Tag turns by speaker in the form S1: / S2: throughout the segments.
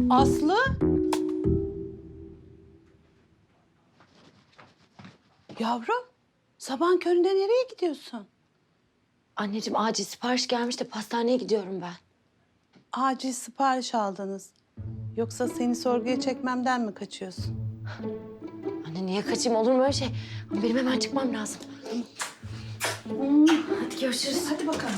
S1: Aslı? Yavrum, sabahın köründe nereye gidiyorsun?
S2: Anneciğim acil sipariş gelmiş de pastaneye gidiyorum ben.
S1: Acil sipariş aldınız. Yoksa seni sorguya çekmemden mi kaçıyorsun?
S2: Anne niye kaçayım, olur mu öyle şey? Ama benim hemen çıkmam lazım. Hadi görüşürüz.
S1: Hadi bakalım.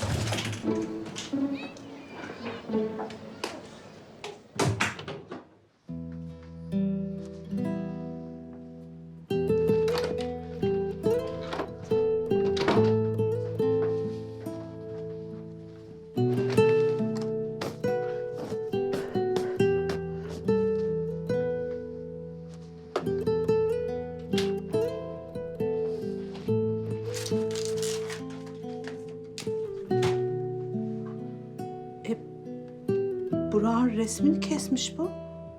S1: Burak'ın resmini kesmiş bu.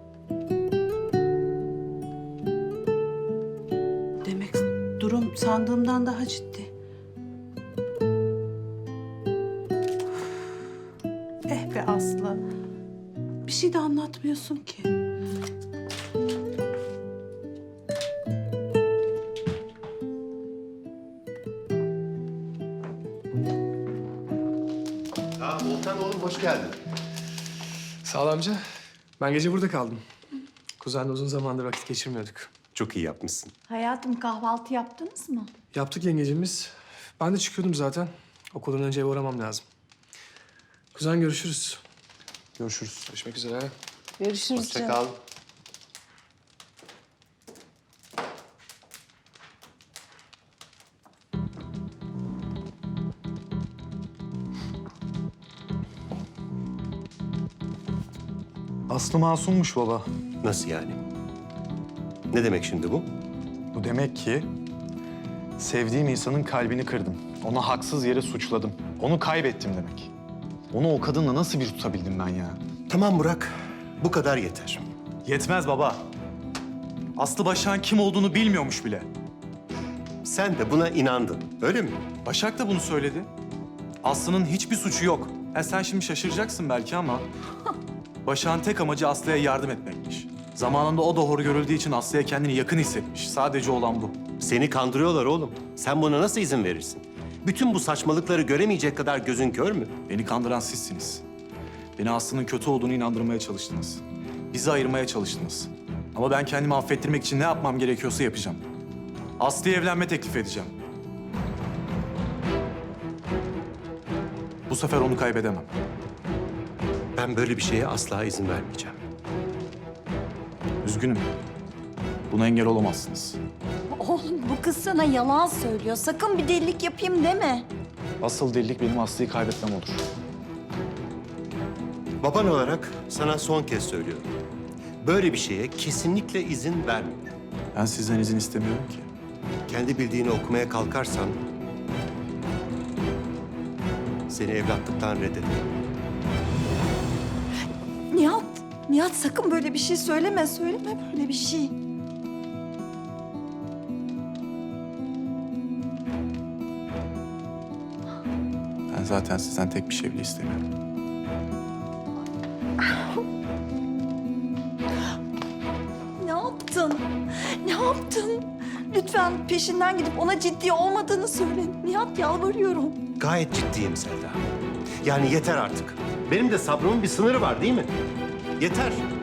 S1: Demek durum sandığımdan daha ciddi. Eh be Aslı. Bir şey de anlatmıyorsun ki.
S3: Volkan oğlum hoş geldin.
S4: Sağ ol amca. Ben gece burada kaldım. Kuzenle uzun zamandır vakit geçirmiyorduk.
S3: Çok iyi yapmışsın.
S5: Hayatım kahvaltı yaptınız mı?
S4: Yaptık yengecimiz. Ben de çıkıyordum zaten. Okuldan önce eve uğramam lazım. Kuzen görüşürüz. Görüşürüz. Görüşmek üzere.
S1: Görüşürüz
S3: Hoşça
S1: canım.
S3: kal.
S6: Aslı masummuş baba.
S3: Nasıl yani? Ne demek şimdi bu?
S6: Bu demek ki sevdiğim insanın kalbini kırdım. Onu haksız yere suçladım. Onu kaybettim demek. Onu o kadınla nasıl bir tutabildim ben ya?
S3: Tamam Burak, bu kadar yeter.
S6: Yetmez baba. Aslı Başak'ın kim olduğunu bilmiyormuş bile.
S3: Sen de buna inandın, öyle mi?
S6: Başak da bunu söyledi. Aslı'nın hiçbir suçu yok. Sen şimdi şaşıracaksın belki ama... Başak'ın tek amacı Aslı'ya yardım etmekmiş. Zamanında o da hor görüldüğü için Aslı'ya kendini yakın hissetmiş. Sadece olan bu.
S3: Seni kandırıyorlar oğlum. Sen buna nasıl izin verirsin? Bütün bu saçmalıkları göremeyecek kadar gözün kör mü?
S6: Beni kandıran sizsiniz. Beni Aslı'nın kötü olduğunu inandırmaya çalıştınız. Bizi ayırmaya çalıştınız. Ama ben kendimi affettirmek için ne yapmam gerekiyorsa yapacağım. Aslı'ya evlenme teklif edeceğim. Bu sefer onu kaybedemem.
S3: Ben böyle bir şeye asla izin vermeyeceğim.
S6: Üzgünüm. Buna engel olamazsınız.
S5: Oğlum bu kız sana yalan söylüyor. Sakın bir delilik yapayım deme.
S6: Asıl delilik benim Aslı'yı kaybetmem olur.
S3: Baban olarak sana son kez söylüyorum. Böyle bir şeye kesinlikle izin verme.
S6: Ben sizden izin istemiyorum ki.
S3: Kendi bildiğini okumaya kalkarsan... seni evlatlıktan reddederim.
S5: Nihat sakın böyle bir şey söyleme. Söyleme böyle bir şey.
S6: Ben zaten sizden tek bir şey bile istemiyorum.
S5: Ne yaptın? Ne yaptın? Lütfen peşinden gidip ona ciddi olmadığını söyle. Nihat yalvarıyorum.
S3: Gayet ciddiyim Selda. Yani yeter artık. Benim de sabrımın bir sınırı var değil mi? Yeter.